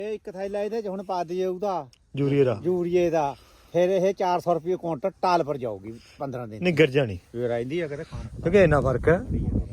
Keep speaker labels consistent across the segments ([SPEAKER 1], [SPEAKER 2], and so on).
[SPEAKER 1] ਇਹ ਇੱਕ ਥੈਲਾ ਇਹਦੇ ਚ ਹੁਣ ਪਾ ਦਈਏ ਉਹਦਾ
[SPEAKER 2] ਯੂਰੀਏ ਦਾ
[SPEAKER 1] ਫਿਰ ਇਹ 400 ਰੁਪਏ ਕੁਇੰਟਲ ਟਾਲ ਪਰ ਜਾਊਗੀ 15 ਦਿਨ
[SPEAKER 2] ਨਹੀਂ ਗਿਰ ਜਾਣੀ
[SPEAKER 1] ਫਿਰ ਰਹਿੰਦੀ ਆ ਕਦੇ ਖਾਣ
[SPEAKER 2] ਕਿਉਂਕਿ ਇੰਨਾ ਫਰਕ ਹੈ।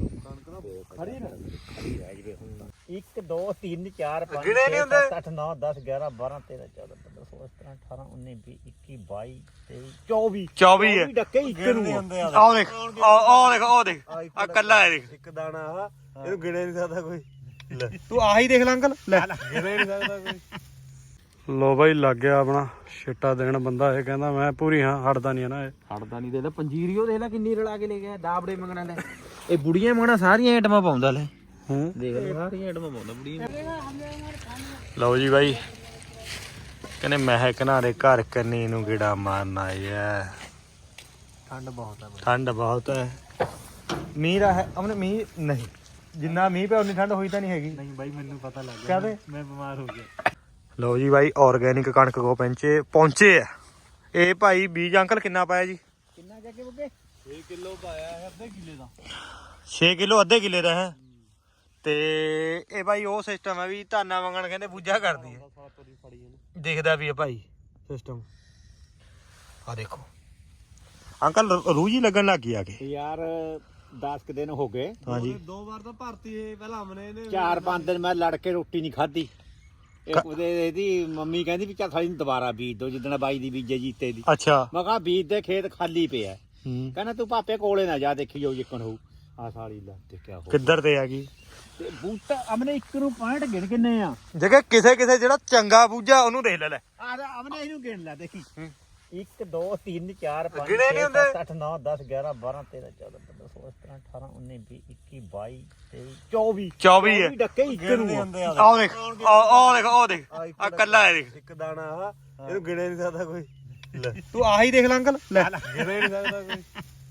[SPEAKER 1] ਖੜੀ ਨਾ ਖੜੀ ਰਹਿ ਜਵੇ 1 2 3 4 5
[SPEAKER 2] ਗਿਣੇ ਨਹੀਂ ਹੁੰਦੇ
[SPEAKER 1] 8 9 10 11 12 13 14 15 16 17 18 19 20 21 22 23 24
[SPEAKER 2] 24 ਹੈ
[SPEAKER 1] ਡੱਕੇ ਇੱਕ ਨੂੰ
[SPEAKER 2] ਆਹ ਦੇਖ ਉਹ ਦੇਖ ਆ ਕੱਲਾ ਹੈ ਦੇਖ
[SPEAKER 3] ਇੱਕ ਦਾਣਾ ਆ ਇਹਨੂੰ ਗਿਣੇ ਨਹੀਂ ਸਕਦਾ ਕੋਈ ਲੈ
[SPEAKER 2] ਤੂੰ ਆਹੀ ਦੇਖ ਲੈ ਅੰਕਲ ਲੈ
[SPEAKER 3] ਗਿਣੇ ਨਹੀਂ ਸਕਦਾ ਕੋਈ।
[SPEAKER 4] ਲੋ ਬਾਈ ਲੱਗ ਗਿਆ ਆਪਣਾ ਛਿੱਟਾ ਦੇਣ ਬੰਦਾ ਇਹ ਕਹਿੰਦਾ ਮੈਂ ਪੂਰੀ ਹਾਂ ਹਟਦਾ ਨਹੀਂ ਨਾ ਇਹ
[SPEAKER 1] ਹਟਦਾ ਨਹੀਂ। ਦੇ ਲੈ ਪੰਜੀਰੀਓ ਦੇਖ ਲੈ ਕਿੰਨੀ ਰਲਾ ਕੇ ਲੈ ਗਿਆ ਦਾਬੜੇ ਮੰਗਣਾ ਲੈ ਇਹ ਬੁੜੀਆਂ ਮੰਗਣਾ ਸਾਰੀਆਂ ਆਈਟਮਾਂ ਪਾਉਂਦਾ ਲੈ
[SPEAKER 4] ਹੂੰ
[SPEAKER 1] ਦੇਖ ਲੈ ਸਾਰੀਆਂ ਆਈਟਮਾਂ ਪਾਉਂਦਾ ਬੁੜੀਆਂ।
[SPEAKER 2] ਲਓ ਜੀ ਬਾਈ ਕਹਿੰਦੇ ਮਹਿਕ ਨਾਰੇ ਘਰ ਕੰਨੀ ਨੂੰ ਗੇੜਾ ਮਾਰਨ ਆਏ ਆ।
[SPEAKER 1] ਠੰਡ ਬਹੁਤ ਆ
[SPEAKER 2] ਠੰਡ ਬਹੁਤ ਹੈ। ਮੀਂਹ ਦਾ ਹੈ ਅਮਨ ਮੀਂਹ ਨਹੀਂ ਜਿੰਨਾ ਮੀਂਹ ਪਿਆ ਉਨੀ ਠੰਡ ਹੋਈ ਤਾਂ ਨਹੀਂ ਹੈਗੀ।
[SPEAKER 1] ਨਹੀਂ ਬਾਈ ਮੈਨੂੰ ਪਤਾ ਲੱਗ
[SPEAKER 2] ਗਿਆ ਕਾਹਦੇ?
[SPEAKER 1] ਮੈਂ ਬਿਮਾਰ ਹੋ ਗਿਆ।
[SPEAKER 2] ਲਓ ਜੀ ਬਾਈ ਆਰਗੈਨਿਕ ਕਣਕ ਕੋ ਪਹੁੰਚੇ ਆ। ਇਹ ਭਾਈ ਬੀਜ ਅੰਕਲ ਕਿੰਨਾ ਪਾਇਆ ਜੀ?
[SPEAKER 1] ਕਿੰਨਾ ਜਾ ਕੇ ਬੁੱਗੇ
[SPEAKER 3] 6 ਕਿਲੋ ਪਾਇਆ ਹੈ ਅੱਧੇ ਕਿੱਲੇ ਦਾ
[SPEAKER 2] 6 ਕਿਲੋ ਅੱਧੇ ਕਿੱਲੇ ਦਾ ਹੈ। ਤੇ ਇਹ ਭਾਈ ਉਹ ਸਿਸਟਮ ਹੈ ਵੀ ਧਾਨਾ ਮੰਗਣ ਕਹਿੰਦੇ ਪੂਜਾ ਕਰਦੀ ਹੈ। ਦਿਖਦਾ ਵੀ ਹੈ ਭਾਈ ਸਿਸਟਮ ਆ ਦੇਖੋ ਅੰਕਲ ਰੂਹ ਜੀ ਲੱਗਣ ਲੱਗ ਗਈ ਆ ਕੇ
[SPEAKER 1] ਯਾਰ 10 ਕੁ ਦਿਨ ਹੋ ਗਏ।
[SPEAKER 2] ਹਾਂਜੀ
[SPEAKER 3] 2 ਵਾਰ ਤਾਂ ਭਰਤੀ ਇਹ ਪਹਿਲਾਂ ਹਮਨੇ ਨੇ
[SPEAKER 1] 4-5 ਦਿਨ ਮੈਂ ਲੜ ਕੇ ਰੋਟੀ ਨਹੀਂ ਖਾਧੀ। ਇਹਦੀ ਮੰਮੀ ਕਹਿੰਦੀ ਵੀ ਚੱਲ ਸਾਲੀ ਨੂੰ ਦੁਬਾਰਾ ਬੀਜ ਦੋ ਜਿੱਦਣ ਬਾਈ ਦੀ ਬੀਜੇ ਜੀਤੇ ਦੀ।
[SPEAKER 2] ਅੱਛਾ
[SPEAKER 1] ਮੈਂ ਕਿਹਾ ਬੀਜ ਦੇ ਖੇਤ ਖਾਲੀ ਪਿਆ।
[SPEAKER 2] ਹੂੰ
[SPEAKER 1] ਕਹਿੰਦਾ ਤੂੰ ਪਾਪੇ ਕੋਲੇ ਨਾ ਜਾ ਦੇਖੀ ਜਾਓ ਜਿੱਕਣ ਹੋਊ। ਆ ਸਾਲੀ ਲਾ ਦੇਖਿਆ ਹੋ
[SPEAKER 2] ਕਿੱਧਰ ਤੇ ਆ ਗਈ
[SPEAKER 1] ਤੇ ਬੂਟਾ ਅਮਨੇ ਇੱਕ ਨੂੰ 65 ਗਿਣ ਕਿੰਨੇ ਆ
[SPEAKER 2] ਜਗੇ ਕਿਸੇ ਜਿਹੜਾ ਚੰਗਾ ਬੂਝਾ ਉਹਨੂੰ ਦੇਖ ਲੈ
[SPEAKER 1] ਆ ਅਮਨੇ ਇਹਨੂੰ ਗਿਣ ਲੈ ਦੇਖੀ 1 2 3 4 5
[SPEAKER 2] ਗਿਣੇ ਨਹੀਂ
[SPEAKER 1] 6
[SPEAKER 2] ਹੁੰਦੇ।
[SPEAKER 1] 7 8 9 10 11 12 13 14 15 16 17 18 19 20 21 22 23
[SPEAKER 2] 24 ਹੈ।
[SPEAKER 1] ਡੱਕੇ ਇੱਕ ਨੂੰ ਆ।
[SPEAKER 2] ਆਹ ਦੇਖ ਉਹ ਦੇਖ ਆ ਕੱਲਾ ਹੈ ਦੇਖ
[SPEAKER 3] ਇੱਕ ਦਾਣਾ ਆ ਇਹਨੂੰ ਗਿਣੇ ਨਹੀਂ ਸਕਦਾ ਕੋਈ ਲੈ
[SPEAKER 2] ਤੂੰ ਆਹੀ ਦੇਖ ਲੈ ਅੰਕਲ ਲੈ
[SPEAKER 3] ਗਿਣੇ ਨਹੀਂ ਸਕਦਾ ਕੋਈ।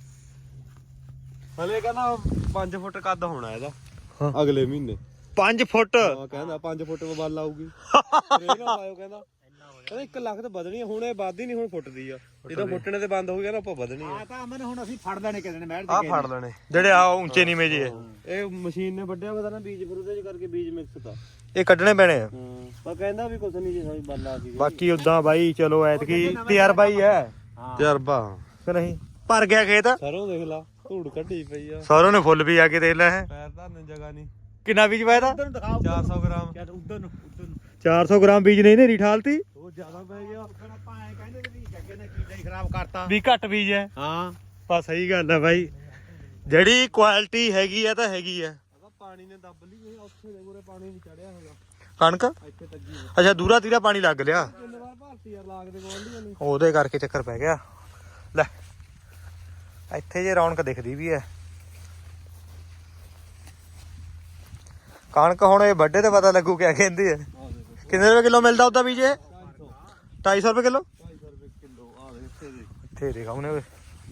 [SPEAKER 3] ਹਲੇ ਕਹਿੰਦਾ 5 ਫੁੱਟ ਕੱਦ ਹੋਣਾ ਇਹਦਾ ਅਗਲੇ ਮਹੀਨੇ
[SPEAKER 2] 5 ਫੁੱਟ
[SPEAKER 3] ਹਾਂ ਕਹਿੰਦਾ 5 ਫੁੱਟ ਵੱਲ ਆਊਗੀ ਇਹ ਨਾ ਪਾਇਓ ਕਹਿੰਦਾ 1 ਲੱਖ ਤੇ ਵਧਣੀ ਹੁਣ ਇਹ ਵੱਧ ਹੀ ਨਹੀਂ ਹੁਣ ਫੁੱਟਦੀ ਆ ਜਦੋਂ ਫੁੱਟਣੇ ਤੇ ਬੰਦ ਹੋ ਗਿਆ ਨਾ ਆਪਾਂ ਵਧਣੀ ਆ
[SPEAKER 1] ਆ ਤਾਂ ਅਮਨ ਹੁਣ ਅਸੀਂ ਫੜ ਲੈਣੇ ਕਿਤੇ ਨੇ ਮਹਿਰ
[SPEAKER 3] ਆ ਫੜ ਲੈਣੇ
[SPEAKER 2] ਜਿਹੜੇ ਆ ਉੱਚੇ ਨੀਵੇਂ ਜੇ
[SPEAKER 3] ਇਹ ਮਸ਼ੀਨ ਨੇ ਵੱਢਿਆ ਪਤਾ ਨਾ ਬੀਜ ਫਿਰ ਉਹਦੇ ਚ ਕਰਕੇ ਬੀਜ ਮਿਕਸ ਤਾਂ
[SPEAKER 2] ਇਹ ਕੱਢਣੇ ਪੈਣੇ ਆ।
[SPEAKER 3] ਪਰ ਕਹਿੰਦਾ ਵੀ ਕੁਛ ਨਹੀਂ ਜੀ ਸਾਡੀ ਬੱਲਾ ਆ ਗਈ
[SPEAKER 2] ਬਾਕੀ ਉਦਾਂ ਬਾਈ ਚਲੋ ਐਤਕੀ ਤਜਰਬਾ ਹੀ ਹੈ
[SPEAKER 3] ਤਜਰਬਾ
[SPEAKER 2] ਕਿ ਨਹੀਂ ਭਰ ਗਿਆ ਖੇਤ
[SPEAKER 3] ਸਰੋਂ ਦੇਖ ਲਾ ਧੂੜ ਕੱਢੀ ਪਈ ਆ
[SPEAKER 2] ਸਾਰੋਂ ਨੇ ਫੁੱਲ ਵੀ ਆ ਕੇ ਦੇਖ ਲੈ ਹੈ
[SPEAKER 3] ਪੈਰ ਧਰਨ ਜਗ੍ਹਾ ਨਹੀਂ
[SPEAKER 2] ਕਿੰਨਾ ਬੀਜ ਪਾਇਆ ਤਾ
[SPEAKER 1] ਉਧਰ ਨੂੰ ਦਿਖਾਓ
[SPEAKER 3] 400 ਗ੍ਰਾਮ
[SPEAKER 1] ਉਧਰ ਨੂੰ
[SPEAKER 2] 400 ਗ੍ਰਾਮ ਬੀਜ ਨਹੀਂ ਨੇਰੀ ਠਾਲਤੀ
[SPEAKER 3] ਉਹ ਜ਼ਿਆਦਾ ਪੈ ਗਿਆ
[SPEAKER 1] ਆਪਾਂ ਐ ਕਹਿੰਦੇ ਵੀ ਜੱਗੇ ਨੇ ਕੀੜਾ ਹੀ ਖਰਾਬ ਕਰਤਾ
[SPEAKER 2] ਵੀ ਘੱਟ ਬੀਜ ਹੈ
[SPEAKER 1] ਹਾਂ
[SPEAKER 2] ਬਸ ਸਹੀ ਗੱਲ ਹੈ ਬਾਈ ਜਿਹੜੀ ਕੁਆਲਿਟੀ ਹੈਗੀ ਆ ਤਾਂ ਹੈਗੀ ਆ।
[SPEAKER 3] ਪਾਣੀ ਨੇ ਦੱਬ ਲਈ ਉੱਥੇ ਦੇ ਪੂਰੇ ਪਾਣੀ ਨਹੀਂ ਚੜਿਆ ਹੈਗਾ
[SPEAKER 2] ਕਣਕ
[SPEAKER 3] ਇੱਥੇ ਤੱਕੀ
[SPEAKER 2] ਅੱਛਾ ਦੂਰਾ ਤੀਰਾ ਪਾਣੀ ਲੱਗ ਲਿਆ
[SPEAKER 3] ਕਿੰਨੇ ਵਾਰ ਭਾਰਤੀ ਯਾਰ ਲਾਗ ਦੇ ਗੋਲਡੀਆਂ ਨੇ
[SPEAKER 2] ਉਹਦੇ ਕਰਕੇ ਚੱਕਰ ਪੈ ਗਿਆ। ਲੈ ਇੱਥੇ ਜੇ ਰੌਣਕ ਦਿਖਦੀ ਵੀ ਹੈ ਕਣਕ ਹੁਣ ਇਹ ਵੱਡੇ ਤੇ ਪਤਾ ਲੱਗੂ ਕਿਆ ਕਹਿੰਦੀ ਹੈ। ਕਿੰਨੇ ਰੁਪਏ ਕਿਲੋ ਮਿਲਦਾ ਉਹਦਾ ਬੀਜ ਇਹ 250 ਰੁਪਏ ਕਿਲੋ
[SPEAKER 3] 250 ਰੁਪਏ ਕਿਲੋ ਆ ਦੇ ਇੱਥੇ ਦੇ
[SPEAKER 2] ਇੱਥੇ ਦੇਖਾ ਉਹਨੇ ਓਏ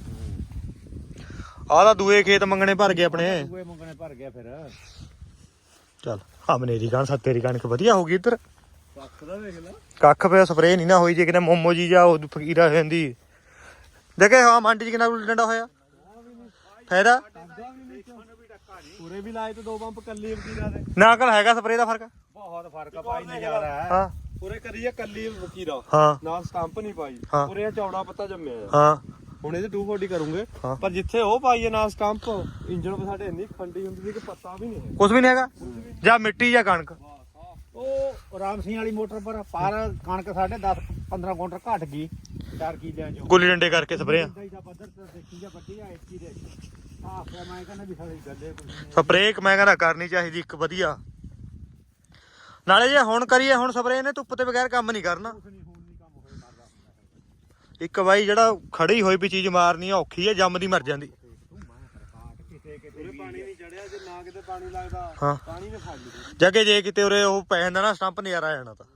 [SPEAKER 2] ਆਹ ਤਾਂ ਦੂਏ ਖੇਤ ਮੰਗਣੇ ਭਰ ਗਏ ਆਪਣੇ
[SPEAKER 1] ਦੂਏ ਮੰਗਣੇ ਭਰ ਗਿਆ ਫਿਰ
[SPEAKER 2] ਚੱਲ ਆ ਮਨੇਰੀ ਕਣ ਸੱਤੇਰੀ ਕਣਕ ਵਧੀਆ ਹੋ ਗਈ ਇੱਧਰ
[SPEAKER 3] ਕੱਖ ਦਾ ਵੇਖ ਲੈ
[SPEAKER 2] ਕੱਖ ਪਿਆ ਸਪਰੇਅ ਨਹੀਂ ਨਾ ਹੋਈ ਜੇ ਕਿਤੇ ਮੋਮੋ ਜੀ ਜਾਂ ਉਹ ਫਕੀਰਾ ਹੋ ਜਾਂਦੀ ਦੇਖੇ ਹਾਂ ਮੰਡੀ ਚ ਕਿੰਨਾ ਡੰਡਾ ਹੋਇਆ ਫਾਇਦਾ
[SPEAKER 3] ਪੂਰੇ ਵੀ ਲਾਏ ਤੇ 2 ਪੰਪ ਕੱਲੀ ਵਕੀਰਾ ਦੇ
[SPEAKER 2] ਨਾ ਕਲ ਹੈਗਾ ਸਪਰੇਅ ਦਾ ਫਰਕ
[SPEAKER 1] ਬਹੁਤ ਫਰਕ ਆ ਭਾਈ ਨਜ਼ਾਰਾ ਹੈ।
[SPEAKER 2] ਹਾਂ
[SPEAKER 3] ਪੂਰੇ ਕਰੀਏ ਕੱਲੀ ਵਕੀਰਾ
[SPEAKER 2] ਹਾਂ
[SPEAKER 3] ਨਾਲ ਸਟੰਪ ਨਹੀਂ ਪਾਈ
[SPEAKER 2] ਹਾਂ।
[SPEAKER 3] ਪੂਰੇ ਚੌੜਾ ਪੱਤਾ ਜੰਮਿਆ ਆ
[SPEAKER 2] ਹਾਂ
[SPEAKER 3] ਹੁਣ ਇਹਦੇ 240 ਕਰੂੰਗੇ
[SPEAKER 2] ਹਾਂ।
[SPEAKER 3] ਪਰ ਜਿੱਥੇ ਉਹ ਪਾਈਏ ਨਾਲ ਸਟੰਪ ਇੰਜਣ ਸਾਡੇ ਇੰਨੀ ਖੰਡੀ ਹੁੰਦੀ ਸੀ ਕਿ ਪੱਤਾ ਵੀ ਨਹੀਂ ਹੈ
[SPEAKER 2] ਕੁਝ ਵੀ ਨਹੀਂ ਹੈਗਾ ਜਾਂ ਮਿੱਟੀ ਜਾਂ ਕਣਕ
[SPEAKER 1] ਉਹ ਰਾਮ ਸਿੰਘ ਵਾਲੀ ਮੋਟਰ ਪਰ ਕਣਕ ਸਾਡੇ 10-15 ਕੁਇੰਟਲ ਘਟ ਗਈ 4 ਕਿੱਲਿਆਂ ਚੋਂ
[SPEAKER 2] ਗੁੱਲੀ ਡੰਡੇ ਕਰਕੇ ਸਪਰੇਅ
[SPEAKER 1] ਦਾ ਪੱਧਰ ਤੇ ਦੇਖੀ ਜਾਂ ਵੱਡੀ ਆ ਇੱਕੀ ਦੇ ਆ ਫਿਰ ਮੈਂ ਕਹਿੰਦਾ ਵੀ ਸਾਡੀ ਗੱਲੇ ਕੁਝ ਨਹੀਂ
[SPEAKER 2] ਸਪਰੇਅ ਮੈਂ ਕਹਿੰਦਾ ਕਰਨੀ ਚਾਹੀਦੀ ਇੱਕ ਵਧੀਆ ਨਾਲੇ ਜੇ ਹੁਣ ਕਰੀਏ ਹੁਣ ਸਪਰੇਅ ਨੇ ਧੁੱਪ ਤੇ ਬਗੈਰ ਕੰਮ ਨਹੀਂ ਕਰਨਾ।
[SPEAKER 1] ਹੁਣ ਨਹੀਂ ਕੰਮ ਹੋਏ ਕਰਦਾ
[SPEAKER 2] ਇੱਕ ਬਾਈ ਜਿਹੜਾ ਖੜੀ ਹੋਈ ਵੀ ਚੀਜ਼ ਮਾਰਨੀ ਆ ਔਖੀ ਹੈ ਜੰਮਦੀ ਮਰ ਜਾਂਦੀ।
[SPEAKER 3] ਪੂਰੇ ਪਾਣੀ ਨਹੀਂ ਚੜਿਆ ਜੇ ਨਾ ਕਿਤੇ ਪਾਣੀ ਲੱਗਦਾ
[SPEAKER 2] ਹਾਂ
[SPEAKER 3] ਪਾਣੀ ਨੇ ਫੜ ਲਈ
[SPEAKER 2] ਜਗੇ ਜੇ ਕਿਤੇ ਉਰੇ ਉਹ ਪੈ ਜਾਂਦਾ ਨਾ ਸਟੰਪ ਨਜ਼ਾਰਾ ਆ ਜਾਣਾ ਤਾਂ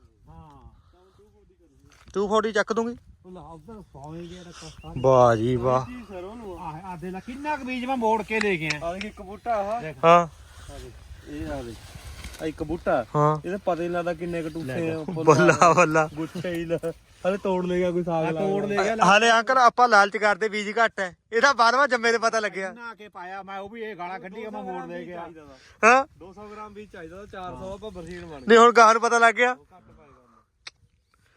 [SPEAKER 1] ਹਾਂ
[SPEAKER 2] 240 ਚੱਕ ਦੂੰਗੀ।
[SPEAKER 1] ਉਹ ਲਾ ਉਧਰ ਸੌਂ ਗਿਆ ਰੱਖਾ
[SPEAKER 2] ਵਾਹ ਜੀ ਵਾਹ
[SPEAKER 3] ਜੀ ਸਰੋਂ ਨੂੰ
[SPEAKER 1] ਆ ਦੇ ਲਾ ਕਿੰਨਾ ਕੁ ਬੀਜ ਮੈਂ ਮੋੜ ਕੇ ਲੈ ਗਿਆ
[SPEAKER 3] ਆ ਦੇਖ ਇੱਕ ਬੂਟਾ ਆ
[SPEAKER 2] ਹਾਂ
[SPEAKER 3] ਇਹ ਆ ਦੇ ਆ ਇੱਕ ਬੂਟਾ
[SPEAKER 2] ਹਾਂ
[SPEAKER 3] ਇਹਦੇ ਪਤਾ ਨਹੀਂ ਲੱਗਦਾ ਕਿੰਨੇ ਕਟੂਸੇ
[SPEAKER 2] ਬੱਲਾ ਬੱਲਾ
[SPEAKER 3] ਗੁੱਛੇ ਹੀ ਹਲੇ ਤੋੜ ਲੈ ਗਿਆ ਕੋਈ ਸਾਗ ਲਾ ਤੋੜ ਲੈ ਗਿਆ
[SPEAKER 2] ਹਾਲੇ ਅੰਕਲ ਆਪਾਂ ਲਾਲਚ ਕਰਦੇ ਬੀਜ ਘੱਟ ਹੈ ਇਹਦਾ ਬਾਅਦਵਾ ਜੰਮੇ ਤੇ ਪਤਾ ਲੱਗਿਆ
[SPEAKER 1] ਨਾ ਕੇ ਪਾਇਆ ਮੈਂ ਉਹ ਵੀ ਇਹ ਗਾਲਾਂ ਕੱਢੀ ਮੈਂ ਮੋੜ ਲੈ ਗਿਆ
[SPEAKER 2] ਹਾਂ
[SPEAKER 3] 200 ਗ੍ਰਾਮ ਵੀ ਚਾਹੀਦਾ 400 ਆਪਾਂ ਬਰਸੀਨ ਬਣ
[SPEAKER 2] ਨਹੀਂ ਹੁਣ ਗਾਹ ਨੂੰ ਪਤਾ ਲੱਗ ਗਿਆ
[SPEAKER 3] ਘੱਟ ਪਾਇਆ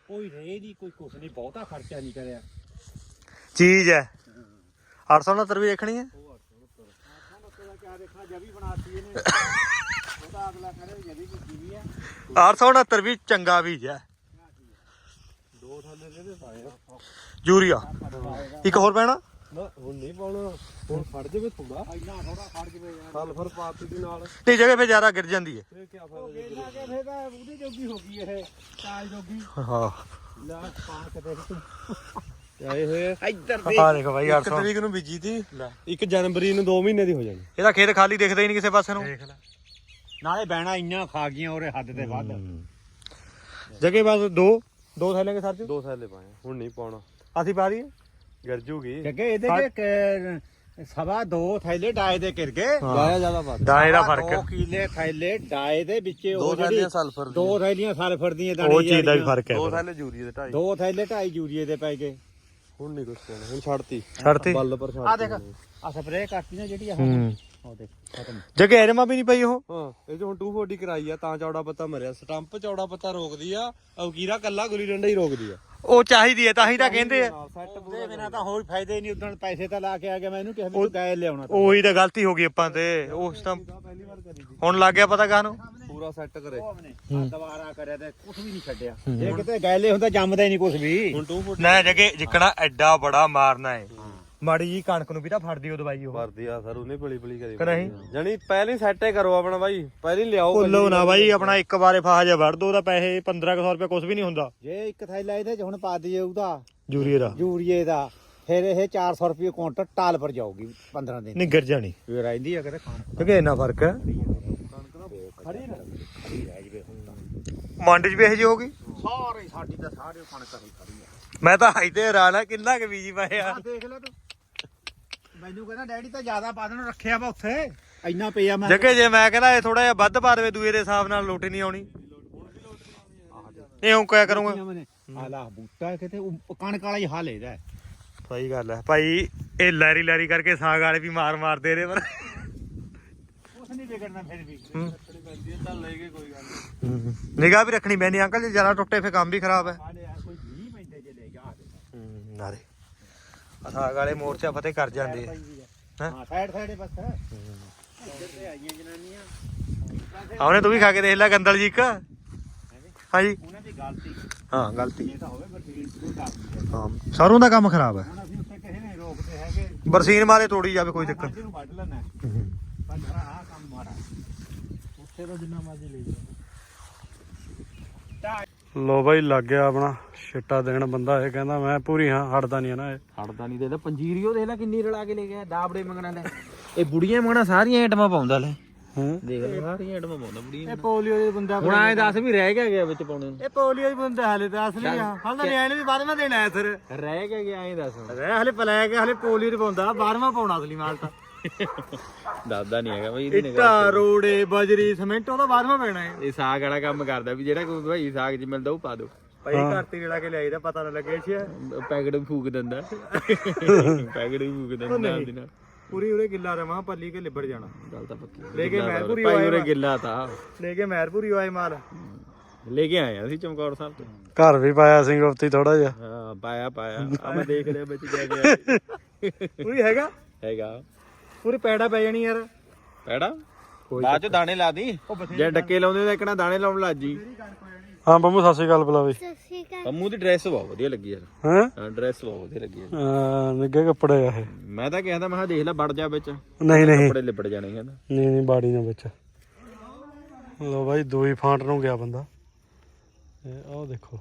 [SPEAKER 1] ਕੋਈ ਰੇ ਨਹੀਂ ਕੋਈ ਕੁਛ ਨਹੀਂ ਬਹੁਤਾ ਖਰਚਾ ਨਹੀਂ ਕਰਿਆ
[SPEAKER 2] ਚੀਜ਼ ਹੈ 869 ਵੀ ਦੇਖਣੀ ਹੈ
[SPEAKER 1] ਕਿਆ ਦੇਖਣਾ ਜਵੀ ਬਣਾਤੀ ਇਹਨੇ ਉਹਦਾ ਅਗਲਾ ਕਰੇ ਜਵੀ ਕੀਤੀ ਵੀ ਹੈ
[SPEAKER 2] 869 ਵੀ ਚੰਗਾ ਬੀਜ ਹੈ
[SPEAKER 3] ਦੋ ਥੱਲੇ ਦੇ ਪਾਏ ਆ।
[SPEAKER 2] ਯੂਰੀਆ ਇੱਕ ਹੋਰ ਪੈਣਾ
[SPEAKER 3] ਨਾ ਹੁਣ ਨਹੀਂ ਪਾਉਣਾ ਹੁਣ ਖੜ ਜਾਵੇ ਥੋੜਾ
[SPEAKER 1] ਇੰਨਾ ਥੋੜਾ ਖੜ ਜਵੇ ਯਾਰ
[SPEAKER 3] ਸਲਫਰ ਪਾਤੀ ਦੇ ਨਾਲ
[SPEAKER 2] ਤੇ ਜਗ੍ਹਾ ਫੇ ਜ਼ਿਆਦਾ ਗਿਰ ਜਾਂਦੀ ਹੈ
[SPEAKER 3] ਇਹ ਕੀ
[SPEAKER 1] ਉਹ
[SPEAKER 3] ਫਾਇਦਾ
[SPEAKER 1] ਗੇਲਾ ਕੇ ਫੇਰ ਤਾਂ ਉਹਦੀ ਜੋਗੀ ਹੋ ਗਈ ਇਹ ਚਾਲ ਜੋਗੀ
[SPEAKER 2] ਹਾਂ
[SPEAKER 1] ਲਾ ਪਾ ਕੇ ਦੇਖ ਤੂੰ
[SPEAKER 3] ਆਏ ਹੋਏ
[SPEAKER 1] ਇੱਧਰ
[SPEAKER 2] ਆ ਦੇਖੋ ਬਾਈ
[SPEAKER 3] 1 ਤਰੀਕ ਨੂੰ ਬੀਜੀ ਤੀ 1 ਜਨਵਰੀ ਨੂੰ 2 ਮਹੀਨੇ ਦੀ ਹੋ ਜਾਣੀ
[SPEAKER 2] ਇਹਦਾ ਖੇਤ ਖਾਲੀ ਦਿਖਦਾ ਹੀ ਨਹੀਂ ਕਿਸੇ ਪਾਸੇ ਨੂੰ
[SPEAKER 1] ਨਾਲੇ ਬਹਿਣਾ ਇੰਨਾ ਖਾ ਗਈਆਂ ਉਹਦੇ ਹੱਦ ਤੇ ਵੱਧ
[SPEAKER 2] ਜਗ੍ਹਾ ਬਸ ਦੋ ਥੈਲੇ ਕੇ ਸਰ ਚ
[SPEAKER 3] ਦੋ ਥੈਲੇ ਪਾਏ ਹੁਣ ਨਹੀਂ ਪਾਉਣਾ
[SPEAKER 2] ਅਸੀਂ ਪਾ ਦਈਏ
[SPEAKER 3] ਗਿਰ ਜੂਗੀ
[SPEAKER 1] ਜੱਗੇ ਇਹਦੇ ਚ ਸਵਾ 2 ਥੈਲੇ ਡਾਏ ਦੇ ਕਿਰ ਗਏ
[SPEAKER 3] ਲਾਇਆ ਜ਼ਿਆਦਾ ਵੱਧ
[SPEAKER 2] ਡਾਏ ਦਾ ਫਰਕ
[SPEAKER 1] 2 ਕਿਲੇ ਥੈਲੇ ਡਾਏ ਦੇ ਵਿੱਚ
[SPEAKER 3] ਦੋ
[SPEAKER 1] ਉਹ ਜਿਹੜੀ
[SPEAKER 3] ਥੈਲੀਆਂ ਸਲਫਰ
[SPEAKER 1] 2 ਥੈਲੀਆਂ ਸਲਫਰ ਦੀਆਂ ਦਾਣੇ
[SPEAKER 2] ਉਹ ਚੀਜ਼ ਦਾ ਵੀ ਫਰਕ ਹੈ
[SPEAKER 3] ਦੋ ਥੈਲੇ ਯੂਰੀਏ ਦੇ 2.5
[SPEAKER 1] 2 ਥੈਲੇ 2.5 ਯੂਰੀਏ ਦੇ ਪੈ ਗਏ
[SPEAKER 3] ਹੁਣ ਨਹੀਂ ਕੁਛ ਕਹਿਣਾ ਹੁਣ ਛੱਡਤੀ
[SPEAKER 2] ਛੱਡਤੀ
[SPEAKER 3] ਬੱਲ ਪਰ
[SPEAKER 1] ਆ
[SPEAKER 3] ਛੱਡਤੀ
[SPEAKER 1] ਦੇਖ ਆ ਸਪਰੇਅ ਕਰਤੀ ਨਾ ਜਿਹੜੀ ਆ ਉਹ ਦੇਖ ਖਤਮ
[SPEAKER 2] ਜਗ੍ਹਾ ਐਰਮਾ ਵੀ ਨਹੀਂ ਪਈ ਉਹ
[SPEAKER 3] ਹਾਂ ਇਹ ਜੋ ਹੁਣ 240 ਕਰਾਈ ਆ ਤਾਂ ਚੌੜਾ ਪੱਤਾ ਮਰਿਆ ਸਟੰਪ ਚੌੜਾ ਪੱਤਾ ਰੋਕਦੀ ਆ ਔਕੀਰਾ ਕੱਲਾ ਗੁਲੀ ਡੰਡਾ ਹੀ ਰੋਕਦੀ ਆ
[SPEAKER 2] ਉਹ ਚਾਹੀਦੀ ਹੈ ਤਾਂ ਹੀ ਤਾਂ ਕਹਿੰਦੇ ਆ
[SPEAKER 3] ਸੈੱਟ
[SPEAKER 1] ਉਹਦੇ ਬਿਨਾ ਤਾਂ ਹੋਰ ਫਾਇਦਾ ਹੀ ਨਹੀਂ ਉਦੋਂ ਪੈਸੇ ਤਾਂ ਲਾ ਕੇ ਆ ਗਿਆ ਮੈਂ ਇਹਨੂੰ ਕਿਹਾ ਵੀ ਤੂੰ ਗਾਇ ਲਿਆਉਣਾ
[SPEAKER 2] ਉਹੀ ਤਾਂ ਗਲਤੀ ਹੋ ਗਈ ਆਪਾਂ ਤੇ ਉਸ ਤਾਂ
[SPEAKER 3] ਪਹਿਲੀ ਵਾਰ ਕਰੀ ਸੀ
[SPEAKER 2] ਹੁਣ ਲੱਗ ਗਿਆ ਪਤਾ ਕਾਹਨੂੰ
[SPEAKER 3] ਪੂਰਾ ਸੈੱਟ ਕਰੇ
[SPEAKER 1] ਦੁਬਾਰਾ ਕਰਿਆ ਤੇ ਕੁਝ ਵੀ ਨਹੀਂ ਛੱਡਿਆ ਜੇ ਕਿਤੇ ਗਾਇਲੇ ਹੁੰਦਾ ਜੰਮਦਾ ਹੀ ਨਹੀਂ ਕੁਝ ਵੀ
[SPEAKER 3] ਹੁਣ 240
[SPEAKER 2] ਨਾ ਜਗੇ ਜਿੱਕਣਾ ਐਡਾ ਬੜਾ ਮਾਰਨਾ ਹੈ ਮਾੜੀ ਜੀ ਕਣਕ ਨੂੰ ਵੀ ਤਾਂ ਫੜਦੀ ਉਹ ਦਵਾਈ ਉਹ
[SPEAKER 3] ਵਰਦੀ ਆ ਸਰ ਉਹਨੇ ਪਲੀ ਪਲੀ ਕਰੀ
[SPEAKER 2] ਕਿ ਨਹੀਂ
[SPEAKER 3] ਜਾਨੀ ਪਹਿਲੀ ਸੈੱਟ ਹੀ ਕਰੋ ਆਪਣਾ ਬਾਈ ਪਹਿਲੀ ਲਿਆਓ
[SPEAKER 2] ਭੁੱਲੋ ਨਾ ਬਾਈ ਆਪਣਾ ਇੱਕ ਵਾਰੇ ਫਾਹਾ ਜਾ ਵੜ ਦੋ ਉਹਦਾ ਪੈਸੇ 1500 ਰੁਪਏ ਕੁਝ ਵੀ ਨਹੀਂ ਹੁੰਦਾ
[SPEAKER 1] ਜੇ ਇੱਕ ਥੈਲਾ ਇਹਦੇ ਚ ਹੁਣ ਪਾ ਦਈਏ ਉਹਦਾ
[SPEAKER 2] ਯੂਰੀਏ ਦਾ
[SPEAKER 1] ਯੂਰੀਏ ਦਾ ਫਿਰ ਇਹ 400 ਰੁਪਏ ਕੁਇੰਟਲ ਟਾਲ ਪਰ ਜਾਊਗੀ 15 ਦਿਨ
[SPEAKER 2] ਨਹੀਂ ਗਿਰ ਜਾਣੀ
[SPEAKER 1] ਫਿਰ ਰਹਿੰਦੀ ਆ ਕਿਤੇ
[SPEAKER 2] ਕਿਉਂਕਿ ਇੰਨਾ ਫਰਕ ਹੈ
[SPEAKER 1] ਖੜੀ ਰਹਿ ਜਵੇ
[SPEAKER 2] ਮੰਡ 'ਚ ਵੀ ਇਹੋ ਜਿਹੀ ਹੋਗੀ
[SPEAKER 1] ਸਾਰੇ ਸਾਡੀ ਤਾਂ ਸਾਰੇ ਕਣਕ ਹੀ ਖੜੀ ਆ
[SPEAKER 2] ਮੈਂ ਤਾਂ ਹਾਈ ਤੇ ਹੈਰਾਨ ਆ ਕਿੰਨਾ ਕੁ ਬੀਜੀ ਪਾਏ ਆ
[SPEAKER 1] ਆ ਦੇਖ ਲੈ ਤੂੰ ਮੈਨੂੰ ਕਹਿੰਦਾ ਡੈਡੀ ਤਾਂ ਜ਼ਿਆਦਾ ਪਾ ਦੇਣ ਰੱਖਿਆ ਵਾ ਉੱਥੇ ਇੰਨਾ ਪਿਆ ਮੈਂ
[SPEAKER 2] ਜਗੇ ਜੇ ਮੈਂ ਕਹਿੰਦਾ ਇਹ ਥੋੜਾ ਜਿਹਾ ਵੱਧ ਪਾ ਦੇਵੇ ਦੂਏ ਦੇ ਹਿਸਾਬ ਨਾਲ ਲੋਟੀ ਨਹੀਂ ਆਉਣੀ ਇਹ ਹੁਣ ਕਿਆ ਕਰੂੰਗਾ
[SPEAKER 1] ਆਲਾ ਬੂਟਾ ਕਿਤੇ ਉਹ ਕਣਕ ਵਾਲਾ ਹੀ ਹਾਲ ਇਹਦਾ
[SPEAKER 2] ਸਹੀ ਗੱਲ ਹੈ ਭਾਈ ਇਹ ਲੈਰੀ ਲੈਰੀ ਕਰਕੇ ਸਾਗ ਵਾਲੇ ਵੀ ਮਾਰਦੇ ਰਹੇ ਪਰ
[SPEAKER 1] ਕੁਛ ਨਹੀਂ ਵਿਗੜਨਾ ਫਿਰ ਵੀ
[SPEAKER 3] ਚੱਲ ਲੈ ਕੇ ਕੋਈ ਗੱਲ
[SPEAKER 2] ਨਿਗਾਹ ਵੀ ਰੱਖਣੀ ਪੈਂਦੀ ਅੰਕਲ ਜੇ ਜ਼ਿਆਦਾ ਟੁੱਟੇ ਫੇ ਕੰਮ ਵੀ ਖਰਾਬ ਹੈ
[SPEAKER 1] ਆਲੇ ਯਾਰ ਕੋਈ ਨਹੀਂ ਪੈਂਦੇ ਜੇ ਲੈ ਜਾ
[SPEAKER 2] ਨਾਰੇ ਸਾਗ ਵਾਲੇ ਮੋਰਚਾ ਫਤਿਹ ਕਰ ਜਾਂਦੇ ਆ
[SPEAKER 1] ਹਾਂ ਸਾਈਡ ਬਸ ਇੱਧਰ ਤੇ ਆਈਆਂ ਜਨਾਨੀਆਂ
[SPEAKER 2] ਆਉਣੇ ਤੂੰ ਵੀ ਖਾ ਕੇ ਦੇਖ ਲੈ ਗੰਦਲ ਜੀ ਇੱਕ ਹਾਂਜੀ
[SPEAKER 1] ਉਹਨਾਂ ਦੀ ਗਲਤੀ
[SPEAKER 2] ਹਾਂ ਗਲਤੀ
[SPEAKER 1] ਇਹ ਤਾਂ ਹੋਵੇ ਬਰਸੀਨ ਸ਼ੁਰੂ ਕਰ ਦਿੰਦੇ
[SPEAKER 2] ਹਾਂ ਸਰੋਂ ਦਾ ਕੰਮ ਖਰਾਬ ਹੈ
[SPEAKER 1] ਹੁਣ ਅਸੀਂ ਉੱਥੇ ਕਿਸੇ ਨੇ ਰੋਕਦੇ ਹੈਗੇ
[SPEAKER 2] ਬਰਸੀਨ ਮਾਰੇ ਤੋੜੀ ਜਾਵੇ ਕੋਈ ਚੱਕਰ
[SPEAKER 1] ਨੂੰ ਵੱਢ ਲੈਣਾ ਪਰ ਘਰਾ ਆ ਕੰਮ ਮਾੜਾ ਉੱਥੇ ਤਾਂ ਜਿੰਨਾ ਮਰਜ਼ੀ ਲੈ ਜਾ
[SPEAKER 4] ਲੋ ਬਾਈ ਲੱਗ ਗਿਆ ਆਪਣਾ ਛਿੱਟਾ ਦੇਣ ਬੰਦਾ ਇਹ ਕਹਿੰਦਾ ਮੈਂ ਪੂਰੀ ਹਾਂ ਹਟਦਾ ਨਹੀਂ ਨਾ ਇਹ
[SPEAKER 5] ਹੜਦਾ ਨਹੀਂ ਦੇਦਾ ਪੰਜੀਰੀਓ ਦੇਖ ਲੈ ਕਿੰਨੀ ਰਲਾ ਕੇ ਲੈ ਗਿਆ ਦਾਬੜੇ ਮੰਗਣਾ ਲੈ ਇਹ ਬੁੜੀਆਂ ਮੰਗਣਾ ਸਾਰੀਆਂ ਆਈਟਮਾਂ ਪਾਉਂਦਾ ਲੈ
[SPEAKER 4] ਹੂੰ
[SPEAKER 5] ਦੇਖ ਲੈ ਸਾਰੀਆਂ ਆਈਟਮਾਂ ਪਾਉਂਦਾ ਬੁੜੀਆਂ
[SPEAKER 1] ਇਹ ਪੋਲੀਓ ਦੇ ਬੰਦਾ
[SPEAKER 5] ਹੁਣ ਐਂ ਦੱਸ ਵੀ ਰਹਿ ਗਿਆ ਵਿੱਚ ਪਾਉਣੇ ਨੂੰ
[SPEAKER 1] ਇਹ ਪੋਲੀਓ ਦੇ ਬੰਦਾ ਹਾਲੇ ਤਾਂ ਅਸਲੀ ਆ ਹਾਲ ਤਾਂ ਨਿਆਣੇ ਵੀ 12ਵਾਂ ਦੇਣਾ ਹੈ ਸਰ
[SPEAKER 5] ਰਹਿ ਗਿਆ ਐਂ ਦੱਸ
[SPEAKER 1] ਰਹਿ ਹਲੇ ਪਲਾਇਆ ਗਿਆ ਹਲੇ ਪੋਲੀਓ ਦੇ ਪਾਉਂਦਾ 12ਵਾਂ ਪਾਉਣਾ ਅਸਲੀ ਮਾਲ ਤਾਂ
[SPEAKER 5] ਦੱਸਦਾ ਨਹੀਂ ਹੈਗਾ ਬਈ ਇਹਦੀ
[SPEAKER 1] ਇੱਟਾ ਰੋੜੇ ਬਜਰੀ ਸਿਮੈਂਟ ਉਹਦਾ 12ਵਾਂ ਪੈਣਾ ਹੈ
[SPEAKER 5] ਇਹ ਸਾਗ ਵਾਲਾ ਕੰਮ ਕਰਦਾ ਵੀ ਜਿਹੜਾ ਕੋਈ ਭਾਈ ਸਾਗ ਚ ਮਿਲਦਾ ਉਹ ਪਾ ਦੋ
[SPEAKER 1] ਭਾਈ ਘਰ ਤੇ ਜਿਹੜਾ ਕੇ ਲਿਆਈਦਾ ਪਤਾ ਨਾ ਲੱਗੇ ਛੇ
[SPEAKER 5] ਪੈਕਟ ਵੀ ਫੂਕ ਦਿੰਦਾ ਪੈਕਟ ਵੀ ਫੂਕ ਦਿੰਦਾ ਨਾਲ ਦੀ ਨਾਲ
[SPEAKER 1] ਪੂਰੀ ਉਰੇ ਗਿੱਲਾ ਰਵਾਂ ਪੱਲੀ ਕੇ ਲਿਬੜ ਜਾਣਾ
[SPEAKER 5] ਗੱਲ ਤਾਂ ਪੱਕੀ
[SPEAKER 1] ਲੈ ਕੇ ਮਹਿਰਪੁਰੀ
[SPEAKER 5] ਭਾਈ
[SPEAKER 1] ਆਏ
[SPEAKER 5] ਉਰੇ ਗਿੱਲਾ ਤਾਂ
[SPEAKER 1] ਲੈ ਕੇ ਮਹਿਰਪੁਰੀ ਆਏ ਮਾਲ
[SPEAKER 5] ਲੈ ਕੇ ਆਏ ਅਸੀਂ ਚਮਕੌਰ ਸਾਹਿਬ ਤੋਂ
[SPEAKER 4] ਘਰ ਵੀ ਪਾਇਆ ਸੀ ਗੁਪਤੀ ਥੋੜਾ ਜਿਹਾ
[SPEAKER 5] ਹਾਂ ਪਾਇਆ ਆ ਮੈਂ ਦੇਖ ਲਿਆ ਵਿੱਚ ਗਿਆ ਗਿਆ
[SPEAKER 1] ਪੂਰੀ
[SPEAKER 5] ਹੈਗਾ
[SPEAKER 1] ਪੂਰੀ ਪੈੜਾ ਪੈ ਜਾਣੀ ਯਾਰ
[SPEAKER 5] ਪੈੜਾ ਬਾਅਦ ਚ ਦਾਣੇ ਲਾ ਦੀ ਜੇ ਡੱਕੇ ਲਾਉਂਦੇ ਤਾਂ ਇੱਕਣਾ ਦਾਣੇ ਲਾਉਣ ਲੱਗ ਜੀ
[SPEAKER 4] ਹਾਂ ਬੰਮੂ ਸਤਿ ਸ਼੍ਰੀ ਅਕਾਲ ਬੁਲਾ ਬਈ
[SPEAKER 5] ਅੰਮੂ ਦੀ ਡਰੈਸ ਬਹੁਤ ਵਧੀਆ ਲੱਗੀ ਯਾਰ
[SPEAKER 4] ਹੈਂ
[SPEAKER 5] ਹਾਂ ਡਰੈਸ ਬਹੁਤ ਵਧੀਆ ਲੱਗੀ ਯਾਰ
[SPEAKER 4] ਨਿੱਗੇ ਕੱਪੜੇ ਆ ਇਹ
[SPEAKER 5] ਮੈਂ ਤਾਂ ਕਹਿੰਦਾ ਮੈਂ ਕਿਹਾ ਦੇਖ ਲੈ ਵੜ ਜਾ ਵਿੱਚ
[SPEAKER 4] ਨਹੀਂ ਨਹੀਂ
[SPEAKER 5] ਕੱਪੜੇ ਲਿਬੜ ਜਾਣੇ ਕਹਿੰਦਾ
[SPEAKER 4] ਨਹੀਂ ਬਾੜੀ ਨਾ ਵਿੱਚ ਲੋ ਬਾਈ ਦੋ ਹੀ ਫਾਂਟ ਨੂੰ ਗਿਆ ਬੰਦਾ ਇਹ ਆਹ ਦੇਖੋ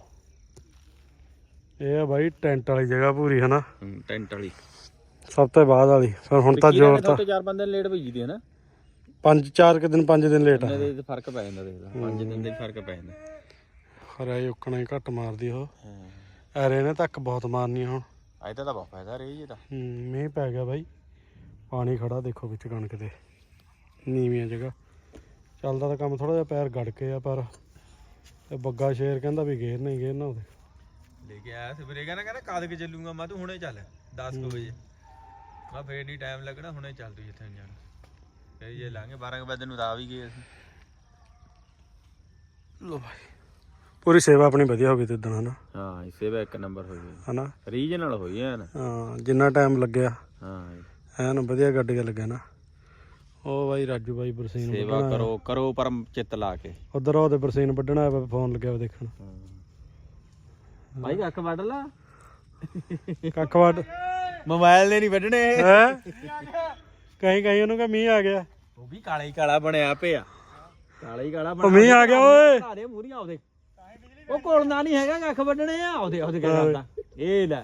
[SPEAKER 4] ਇਹ ਆ ਬਾਈ ਟੈਂਟ ਵਾਲੀ ਜਗ੍ਹਾ ਪੂਰੀ ਹਨਾ
[SPEAKER 5] ਟੈਂਟ ਵਾਲੀ
[SPEAKER 4] ਸਭ ਤੋਂ ਬਾਅਦ ਵਾਲੀ ਫਿਰ ਹੁਣ ਤਾਂ ਜ਼ੋਰ ਤਾਂ
[SPEAKER 5] 4-5 ਦਿਨ ਲੇਟ ਭੇਜੀ ਦੀ ਹੈ ਨਾ
[SPEAKER 4] 5 ਦਿਨ ਲੇਟ ਆ
[SPEAKER 5] ਇਹਦੇ ਤੇ ਫਰਕ ਪੈ ਜਾਂਦਾ ਦੇਖ ਲੈ 5 ਦਿਨ ਦੇ ਫਰਕ ਪੈ ਜਾਂਦਾ
[SPEAKER 4] ਖਰਾ ਉਕਣਾ ਹੀ ਘੱਟ ਮਾਰਦੀ ਉਹ ਐਰੇ ਨੇ ਤੱਕ ਬਹੁਤ ਮਾਰਨੀ ਹੁਣ
[SPEAKER 5] ਅੱਜ ਤਾਂ ਬਹੁਤ ਫਾਇਦਾ ਰਹੀ ਜੀ ਤਾਂ
[SPEAKER 4] ਮੀਂਹ ਪੈ ਗਿਆ ਬਾਈ ਪਾਣੀ ਖੜਾ ਦੇਖੋ ਵਿੱਚ ਕਣਕ ਦੇ ਨੀਵੀਆਂ ਜਗ੍ਹਾ ਚੱਲਦਾ ਤਾਂ ਕੰਮ ਥੋੜਾ ਜਿਹਾ ਪੈਰ ਗੜ ਕੇ ਆ ਪਰ ਇਹ ਬੱਗਾ ਸ਼ੇਰ ਕਹਿੰਦਾ ਵੀ ਗੇਰਨਾ ਉਹਦੇ
[SPEAKER 5] ਲੈ ਕੇ ਆਇਆ ਸਵੇਰੇ ਕਹਿੰਦਾ ਕਦ ਕੇ ਚੱਲੂਗਾ ਮੈਂ ਤੂੰ ਹੁਣੇ ਚੱਲ 10 ਵਜੇ ਮੈਂ ਫੇਰ ਨਹੀਂ ਟਾਈਮ ਲੱਗਣਾ ਹੁਣੇ ਚੱਲ ਤੂੰ ਜਿੱਥੇ ਜਾਣਾ ਫੇਰ ਜੇ ਲਾਂਗੇ 12 ਵਜੇ ਨੂੰ ਤਾਂ ਆ ਵੀ ਗਏ ਅਸੀਂ
[SPEAKER 4] ਲੋ ਭਾਈ ਪੂਰੀ ਸੇਵਾ ਆਪਣੀ ਵਧੀਆ ਹੋ ਗਈ ਤੇ ਦਿਨ ਹਨਾ।
[SPEAKER 1] ਹਾਂ ਸੇਵਾ ਇੱਕ ਨੰਬਰ ਹੋਈ
[SPEAKER 4] ਹਨਾ
[SPEAKER 1] ਰੀਜਨਲ ਹੋਈ ਐ ਨਾ।
[SPEAKER 4] ਹਾਂ ਜਿੰਨਾ ਟਾਈਮ ਲੱਗਿਆ
[SPEAKER 1] ਹਾਂ
[SPEAKER 4] ਐਨ ਵਧੀਆ ਗੱਡੀਆਂ ਲੱਗਿਆ ਨਾ। ਉਹ ਬਾਈ ਰਾਜੂ ਬਾਈ ਬਰਸੀਨ
[SPEAKER 1] ਸੇਵਾ ਕਰੋ ਪਰਮ ਚਿੱਤ ਲਾ ਕੇ।
[SPEAKER 4] ਉਧਰ ਉਹਦੇ ਬਰਸੀਨ ਵੱਢਣਾ ਆਇਆ ਫੋਨ ਲੱਗਿਆ ਦੇਖਣ।
[SPEAKER 1] ਭਾਈ ਕੱਖ ਵੱਢ ਲਾ
[SPEAKER 4] ਕੱਖ ਵੱਢ
[SPEAKER 1] ਮੋਬਾਈਲ ਦੇ ਨਹੀਂ ਵੱਢਣੇ
[SPEAKER 4] ਹੈ ਕਹੀਂ ਉਹਨੂੰ ਕਹ ਮੀਂਹ ਆ ਗਿਆ।
[SPEAKER 1] ਉਹ ਵੀ ਕਾਲਾ ਹੀ ਕਾਲਾ ਬਣਿਆ ਪਿਆ ਕਾਲਾ ਹੀ ਕਾਲਾ
[SPEAKER 4] ਉਹ ਮੀਂਹ ਆ ਗਿਆ ਓਏ
[SPEAKER 1] ਘਾਰੇ ਮੂਰੀਆਂ ਉਹਦੇ ਉਹ ਕੋਲਣਾ ਨਹੀਂ ਹੈਗਾ ਕੱਖ ਵੱਢਣੇ ਆ ਉਹਦੇ ਕਹਿੰਦਾ ਇਹ ਲੈ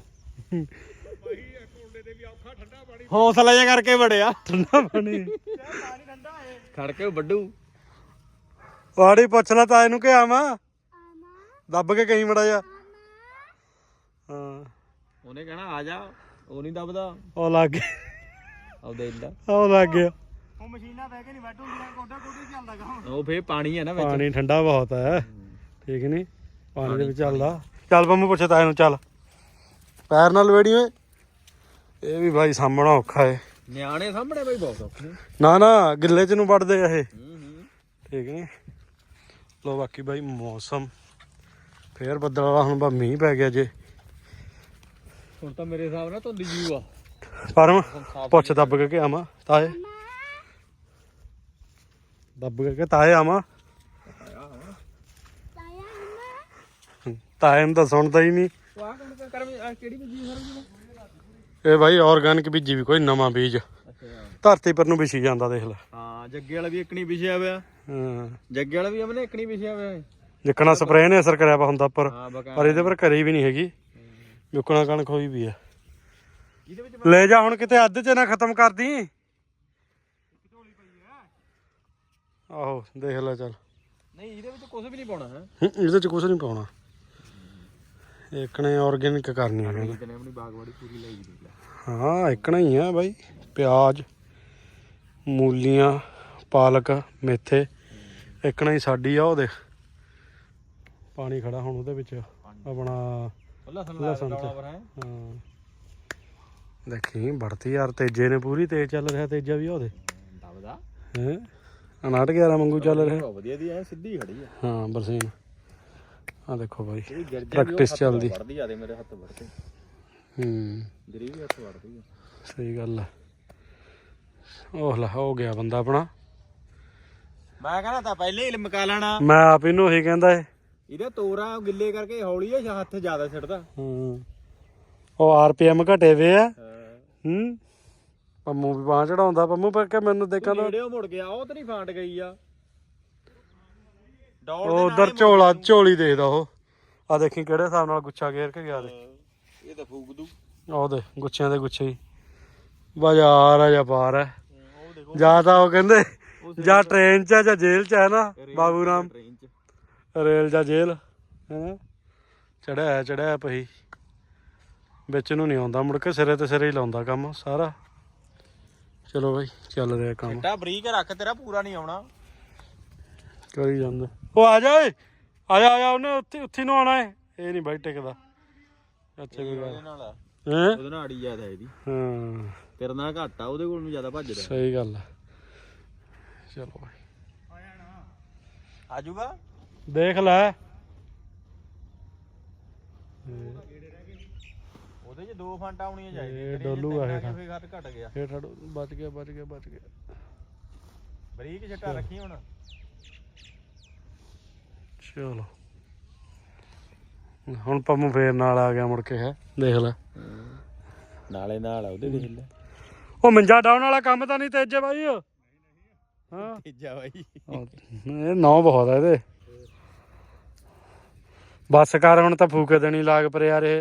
[SPEAKER 1] ਹੌਸਲਾ ਜਿਹਾ ਕਰਕੇ ਵੜਿਆ
[SPEAKER 4] ਠੰਡਾ ਪਾਣੀ
[SPEAKER 1] ਖੜ ਕੇ ਵੱਡੂ
[SPEAKER 4] ਵਾੜੀ ਪੁੱਛ ਲੈ ਤਾਂ ਇਹਨੂੰ ਕਿ ਆਵਾਂ ਦੱਬ ਕੇ ਕਹੀਂ ਮੜਾ ਜਾ। ਹਾਂ
[SPEAKER 1] ਉਹਨੇ ਕਹਿਣਾ ਆ ਜਾ ਉਹ ਨਹੀਂ ਦੱਬਦਾ
[SPEAKER 4] ਉਹ ਲੱਗ ਗਿਆ
[SPEAKER 1] ਆਪਦੇ ਇੰਦਾ
[SPEAKER 4] ਉਹ ਲੱਗ ਗਿਆ।
[SPEAKER 3] ਉਹ ਮਸ਼ੀਨਾਂ ਬਹਿ ਕੇ ਨਹੀਂ ਵੱਢ ਹੁੰਦੀਆਂ ਕੋਡਾ ਕੋਡੀ ਚੱਲਦਾ ਕੰਮ।
[SPEAKER 1] ਉਹ ਫੇਰ ਪਾਣੀ ਹੈ ਨਾ ਵਿੱਚ
[SPEAKER 4] ਪਾਣੀ ਠੰਡਾ ਬਹੁਤ ਹੈ ਠੀਕ ਨਹੀਂ ਪਾਣੀ ਦੇ ਵਿੱਚ ਚੱਲਦਾ। ਚੱਲ ਪੰਮੂ ਪੁੱਛੇ ਤਾਂ ਇਹਨੂੰ ਚੱਲ ਪੈਰ ਨਾਲ ਵੇੜੀ ਓਏ ਇਹ ਵੀ ਭਾਈ ਸਾਹਮਣਾ ਔਖਾ ਏ।
[SPEAKER 1] ਨਿਆਣੇ ਸਾਹਮਣੇ ਬਈ ਬਹੁਤ ਔਖੇ
[SPEAKER 4] ਨਾ ਗਿੱਲੇ ਚ ਨੂੰ ਵੜਦੇ ਆ ਇਹ ਠੀਕ ਨੀ। ਲੋ ਬਾਕੀ ਬਾਈ ਮੌਸਮ ਫੇਰ ਬੱਦਲ ਵਾਲਾ ਹੁਣ ਬਾ ਮੀਂਹ ਪੈ ਗਿਆ ਜੇ
[SPEAKER 1] ਹੁਣ ਤਾਂ ਮੇਰੇ ਹਿਸਾਬ ਨਾਲ ਧੁੰਦੀ ਜੂ ਆ
[SPEAKER 4] ਪਰਮ ਪੁੱਛ ਦੱਬ ਕੇ ਆਵਾਂ ਤਾਏ ਦੱਬ ਕੇ ਤਾਏ ਆਵਾਂ ਤਾਏ ਨੂੰ ਤਾਂ ਸੁਣਦਾ ਹੀ ਨਹੀਂ।
[SPEAKER 1] ਕਿਹੜੀ ਬੀਜੀ ਸਰ
[SPEAKER 4] ਇਹ ਭਾਈ ਆਰਗੈਨਿਕ ਬੀਜੀ ਵੀ ਕੋਈ ਨਵਾਂ ਬੀਜ ਧਰਤੀ ਪਰ ਨੂੰ ਵਿਛੀ ਜਾਂਦਾ ਦੇਖ ਲੈ।
[SPEAKER 1] ਹਾਂ ਜੱਗੇ ਵਾਲਾ ਵੀ ਇੱਕਣੀ ਵਿਛਿਆ ਹੋਇਆ
[SPEAKER 4] ਹਾਂ
[SPEAKER 1] ਜੱਗੇ ਵਾਲਾ ਵੀ ਆਪਣੇ ਇੱਕਣੀ ਵਿਛਿਆ ਹੋਇਆ
[SPEAKER 4] ਜਿੱਕਣਾ ਸਪਰੇਅ ਨੇ ਅਸਰ ਕਰਿਆ ਵਾ ਹੁੰਦਾ ਉੱਪਰ
[SPEAKER 1] ਹਾਂ
[SPEAKER 4] ਪਰ ਇਹਦੇ ਪਰ ਕਰੀ ਵੀ ਨਹੀਂ ਹੈਗੀ ਵਿਕਣਾ ਕਣਕ ਹੋਈ ਵੀ ਆ। ਲੈ ਜਾ ਹੁਣ ਕਿਤੇ ਅੱਧ ਚ ਨਾ ਖਤਮ ਕਰਦੀ। ਆਹੋ ਦੇਖ ਲੈ ਚੱਲ
[SPEAKER 1] ਨਹੀਂ ਇਹਦੇ ਵਿੱਚ ਕੁਝ ਵੀ ਨਹੀਂ ਪਾਉਣਾ ਹੈ
[SPEAKER 4] ਇਹਦੇ ਚ ਕੁਝ ਨਹੀਂ ਪਾਉਣਾ ਇੱਕਣੇ ਆਰਗੈਨਿਕ ਕਰਨੀ ਹੈ ਕਹਿੰਦਾ।
[SPEAKER 1] ਇਹਨੇ ਆਪਣੀ ਬਾਗਵਾੜੀ ਪੂਰੀ ਲਈ ਦੀ
[SPEAKER 4] ਹਾਂ ਇੱਕਣਾ ਹੀ ਆ ਬਾਈ ਪਿਆਜ਼ ਮੂਲੀਆਂ ਪਾਲਕ ਮੇਥੇ ਇੱਕਣਾ ਹੀ ਸਾਡੀ ਆ। ਉਹ ਦੇਖ ਪਾਣੀ ਖੜਾ ਹੁਣ ਉਹਦੇ ਵਿੱਚ ਆਪਣਾ ਲਸਣ ਚ ਹਾਂ ਦੇਖੀ ਵੜਤੀ ਯਾਰ ਤੇਜੇ ਨੇ ਪੂਰੀ ਤੇਜ਼ ਚੱਲ ਰਿਹਾ ਤੇਜਾ ਵੀ ਉਹਦੇ
[SPEAKER 1] ਦਬਦਾ
[SPEAKER 4] ਹੈ 59 ਵਾਂਗੂ ਚੱਲ ਰਿਹਾ
[SPEAKER 1] ਵਧੀਆ ਦੀ ਐ ਸਿੱਧੀ ਖੜੀ ਆ।
[SPEAKER 4] ਹਾਂ ਬਰਸੀਨ ਆ ਦੇਖੋ ਬਾਈ ਪ੍ਰੈਕਟਿਸ ਚੱਲਦੀ
[SPEAKER 1] ਵੜਦੀ ਆ ਦੇ ਮੇਰੇ ਹੱਥ ਵੜਦੇ ਗਰੀ ਵੀ ਹੱਥ ਵੜਦੀ ਆ।
[SPEAKER 4] ਸਹੀ ਗੱਲ ਆ। ਉਹ ਲੈ ਹੋ ਗਿਆ ਬੰਦਾ ਆਪਣਾ।
[SPEAKER 1] ਮੈਂ ਕਹਿੰਦਾ ਤਾਂ ਪਹਿਲੇ ਹੀ ਮਕਾ ਲੈਣਾ
[SPEAKER 4] ਮੈਂ ਆਪ ਇਹਨੂੰ ਉਹੀ ਕਹਿੰਦਾ ਏ
[SPEAKER 1] ਇਹਦੇ ਤੋਰਾ ਗਿੱਲੇ ਕਰਕੇ ਹੌਲੀ ਆ ਹੱਥ ਜ਼ਿਆਦਾ ਛੱਡਦਾ
[SPEAKER 4] ਉਹ ਆਰਪੀਐਮ ਘਟੇ ਵੇ ਆ ਪੰਮੂ ਵੀ ਬਾਂਹ ਚੜਾਉਂਦਾ ਪੰਮੂ ਪਰ ਕਿ ਮੈਨੂੰ ਦੇਖਾਂ ਤਾਂ
[SPEAKER 1] ਨੇੜੇ ਮੁੜ ਗਿਆ ਉਹ ਤੇ ਨਹੀਂ ਫਾਂਟ ਗਈ ਆ
[SPEAKER 4] ਉਹ ਉਧਰ ਝੋਲੀ ਦੇਖਦਾ ਉਹ ਆ ਦੇਖੀ ਕਿਹੜੇ ਹਿਸਾਬ ਨਾਲ ਗੁੱਛਾ ਘੇਰ ਕੇ ਗਿਆ ਦੇ
[SPEAKER 1] ਇਹ ਤਾਂ ਫੂਕ ਦੂ
[SPEAKER 4] ਉਹਦੇ ਗੁੱਛਿਆਂ ਦੇ ਗੁੱਛੇ ਹੀ ਬਾਜ਼ਾਰ ਆ ਜਾਂ ਬਾਹਰ ਹੈ ਜਾਂ ਤਾਂ ਉਹ ਕਹਿੰਦੇ ਜਾਂ ਟ੍ਰੇਨ 'ਚ ਆ ਜਾਂ ਜੇਲ੍ਹ 'ਚ ਹੈ ਨਾ ਬਾਬੂ ਰਾਮ ਰੇਲ ਜਾਂ ਜੇਲ੍ਹ ਹੈ ਚੜਿਆ ਪਈ ਵਿੱਚ ਨੂੰ ਨਹੀਂ ਆਉਂਦਾ ਮੁੜ ਕੇ ਸਿਰੇ ਤੇ ਸਿਰੇ ਹੀ ਲਾਉਂਦਾ ਕੰਮ ਸਾਰਾ। ਚਲੋ ਬਾਈ ਚੱਲ ਰਿਹਾ ਕੰਮ
[SPEAKER 1] ਛੱਟਾ ਬਰੀਕ ਰੱਖ ਤੇਰਾ ਪੂਰਾ ਨਹੀਂ ਆਉਣਾ
[SPEAKER 4] ਕਰੀ ਜਾਂਦਾ। ਉਹ ਆ ਜਾ ਓਏ ਆ ਜਾ ਉਹਨੇ ਉੱਥੇ ਨੂੰ ਆਉਣਾ ਏ ਇਹ ਨਹੀਂ ਬਾਈ ਟਿਕਦਾ ਅੱਛਾ ਕੋਈ ਗੱਲ ਹੈ
[SPEAKER 1] ਉਹਦੇ ਨਾਲ ਅੜੀ ਜ਼ਿਆਦਾ ਇਹਦੀ
[SPEAKER 4] ਹਾਂ
[SPEAKER 1] ਤੇਰੇ ਨਾਲ ਘੱਟ ਆ ਉਹਦੇ ਕੋਲ ਨੂੰ ਜ਼ਿਆਦਾ ਭੱਜਦਾ
[SPEAKER 4] ਸਹੀ ਗੱਲ ਆ। ਚਲੋ ਬਾਈ
[SPEAKER 1] ਆ ਜਾਊਗਾ
[SPEAKER 4] ਦੇਖ ਲੈ
[SPEAKER 1] ਉਹਦੇ 'ਚ 2 ਫੰਟ ਆਉਣੀਆਂ ਚਾਹੀਦੀਆਂ
[SPEAKER 4] ਇਹ ਡੋਲੂ ਆ ਇਹ
[SPEAKER 1] ਫੇਰ ਘੱਟ ਘਟ ਗਿਆ
[SPEAKER 4] ਇਹ ਠੜ ਬਚ ਗਿਆ
[SPEAKER 1] ਬਰੀਕ ਛੱਟਾ ਰੱਖੀ ਹੁਣ।
[SPEAKER 4] ਚਲੋ ਹੁਣ ਪੰਮੂ ਫੇਰ ਨਾਲ ਆ ਗਿਆ ਮੁੜ ਕੇ ਹੈ ਦੇਖ ਲੈ
[SPEAKER 1] ਨਾਲੇ ਨਾਲ ਆ ਉਹਦੇ ਦੇਖ ਲੈ
[SPEAKER 4] ਉਹ ਮੰਜਾ ਡਾਉਣ ਵਾਲਾ ਕੰਮ ਤਾਂ ਨਹੀਂ ਤੇਜੇ ਬਾਈ ਹਾਂ
[SPEAKER 1] ਤੀਜਾ ਬਾਈ
[SPEAKER 4] ਇਹ ਨੌ ਬਹੁਤ ਆ ਇਹਦੇ ਬੱਸ ਕਰ ਹੁਣ ਤਾਂ ਫੂਕੇ ਦੇਣੀ ਲਾਗ ਪਰ ਯਾਰ ਇਹ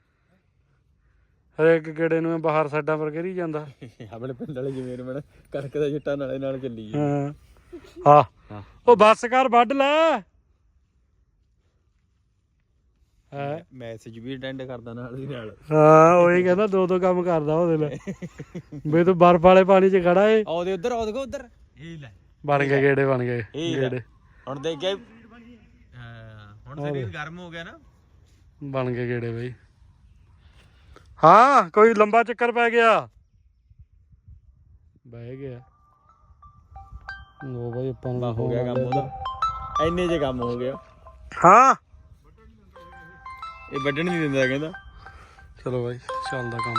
[SPEAKER 4] ਹਰੇਕ ਗੇੜੇ ਨੂੰ ਬਾਹਰ ਸਾਈਡਾਂ ਪਰ ਘੇਰੀ ਜਾਂਦਾ
[SPEAKER 1] ਆਪਣੇ ਪਿੰਡ ਵਾਲੇ ਜ਼ਮੀਨ ਮਣ ਕਣਕ ਦਾ ਛੱਟਾ ਨਾਲੇ ਨਾਲ ਚੱਲੀ
[SPEAKER 4] ਹਾਂ ਉਹ ਬੱਸ ਕਰ ਵੱਢ ਲੈ
[SPEAKER 1] ਮੈਸੇਜ ਵੀ ਅਟੈਂਡ ਕਰਦਾ ਨਾਲ ਦੀ ਨਾਲ
[SPEAKER 4] ਹਾਂ ਉਹੀ ਕਹਿੰਦਾ ਦੋ ਕੰਮ ਕਰਦਾ ਉਹਦੇ ਲਈ ਵੀ ਤੂੰ ਬਰਫ ਵਾਲੇ ਪਾਣੀ 'ਚ ਖੜਾ ਏ
[SPEAKER 1] ਆਉਦੇ ਉਧਰ ਉਧਰ ਇਹ ਲੈ
[SPEAKER 4] ਬਣ ਗਏ ਗੇੜੇ ਬਣ ਗਏ ਗੇੜੇ
[SPEAKER 1] ਹੁਣ ਦੇਖ ਕੇ ਹੁਣ ਸਰੀਰ ਗਰਮ ਹੋ ਗਿਆ ਨਾ
[SPEAKER 4] ਬਣ ਗਏ ਗੇੜੇ ਬਈ। ਹਾਂ ਕੋਈ ਲੰਬਾ ਚੱਕਰ ਪੈ ਗਿਆ ਬਹਿ ਗਿਆ ਉਹ ਬਈ ਆਪਾਂ ਨੂੰ
[SPEAKER 1] ਹੋ ਗਿਆ ਕੰਮ ਉਹਦਾ ਇੰਨੇ ਜੇ ਕੰਮ ਹੋ ਗਿਆ।
[SPEAKER 4] ਹਾਂ
[SPEAKER 5] ਇਹ ਵੱਢਣ ਨਹੀਂ ਦਿੰਦਾ ਕਹਿੰਦਾ।
[SPEAKER 4] ਚਲੋ ਬਾਈ ਚੱਲਦਾ ਕੰਮ।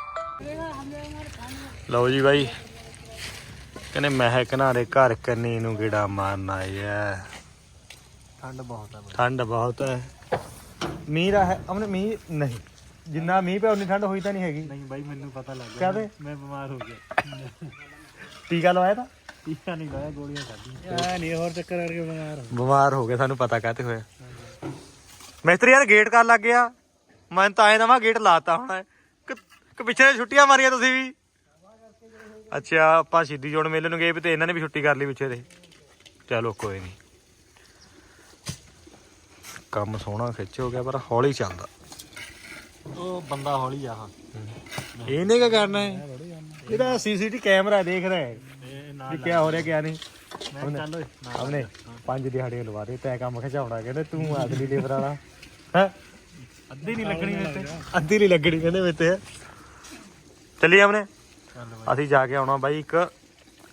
[SPEAKER 4] ਲਓ ਜੀ ਬਾਈ ਕਹਿੰਦੇ ਮਹਿਕ ਨਾਰੇ ਘਰ ਕੰਨੀ ਨੂੰ ਗੇੜਾ ਮਾਰਨ ਆਏ ਆ।
[SPEAKER 2] ਠੰਡ ਬਹੁਤ ਹੈ
[SPEAKER 4] ਠੰਡ ਬਹੁਤ ਹੈ। ਮੀਂਹ ਦਾ ਹੈ ਅਮਨ ਮੀਂਹ ਨਹੀਂ ਜਿੰਨਾ ਮੀਂਹ ਪਿਆ ਉਨੀ ਠੰਡ ਹੋਈ ਤਾਂ ਨਹੀਂ ਹੈਗੀ।
[SPEAKER 2] ਨਹੀਂ ਬਾਈ ਮੈਨੂੰ ਪਤਾ ਲੱਗ
[SPEAKER 4] ਕਾਹਦੇ
[SPEAKER 2] ਮੈਂ ਬਿਮਾਰ ਹੋ ਗਿਆ।
[SPEAKER 4] ਟੀਕਾ ਲਵਾਇਆ ਤਾਂ
[SPEAKER 2] ਟੀਕਾ ਨਹੀਂ ਲਾਇਆ ਗੋਲੀਆਂ ਖਾਧੀਆਂ। ਨਹੀਂ ਹੋਰ ਚੱਕਰ ਕਰਕੇ
[SPEAKER 4] ਬਿਮਾਰ ਹੋ ਗਿਆ ਸਾਨੂੰ ਪਤਾ ਕਾਹਤੇ ਹੋਇਆ। ਮਿਸਤਰੀ ਯਾਰ ਗੇਟ ਕਰ ਲੱਗ ਗਿਆ। ਮੈਂ ਤਾਂ ਆਏ ਨਵਾਂ ਗੇਟ ਲਾਤਾ ਹੁਣ ਕਿ ਪਿੱਛੇ ਛੁੱਟੀਆਂ ਮਾਰੀਆਂ ਤੁਸੀਂ ਵੀ। ਅੱਛਾ ਆਪਾਂ ਸ਼ਹੀਦੀ ਜੋੜ ਮੇਲੇ ਨੂੰ ਗਏ ਵੀ ਤੇ ਇਹਨਾਂ ਨੇ ਵੀ ਛੁੱਟੀ ਕਰ ਲਈ ਪਿੱਛੇ ਦੇ। ਚਲੋ ਕੋਈ ਨਹੀਂ ਕੰਮ ਸੋਹਣਾ ਖਿੱਚ ਹੋ ਗਿਆ ਪਰ ਹੌਲੀ ਚੱਲਦਾ।
[SPEAKER 2] ਉਹ ਬੰਦਾ ਹੌਲੀ ਆ।
[SPEAKER 4] ਇਹਨੇ ਕੀ ਕਰਨਾ ਹੈ ਇਹਦਾ ਸੀਸੀਟੀ ਕੈਮਰਾ ਦੇਖ ਰਿਹਾ ਹੈ ਵੀ ਕੀ ਹੋ ਰਿਹਾ ਕੀ ਨਹੀਂ। ਉਹਨੇ 5 ਦਿਹਾੜੀਆਂ ਲਵਾ ਦੇ ਤੈ ਕੰਮ ਖਿਚਾਉਣਾ ਕਹਿੰਦੇ ਤੂੰ ਆਦਮੀ ਲੇਬਰ ਵਾਲਾ ਹੈ।
[SPEAKER 2] ਅੱਧੀ ਨਹੀਂ ਲੱਗਣੀ ਮੇਰੇ ਤੇ।
[SPEAKER 4] ਅੱਧੀ ਨਹੀਂ ਲੱਗਣੀ ਕਹਿੰਦੇ ਮੇਤੇ। ਚੱਲੀਏ ਆਪਣੇ ਅਸੀਂ ਜਾ ਕੇ ਆਉਣਾ ਬਾਈ ਇੱਕ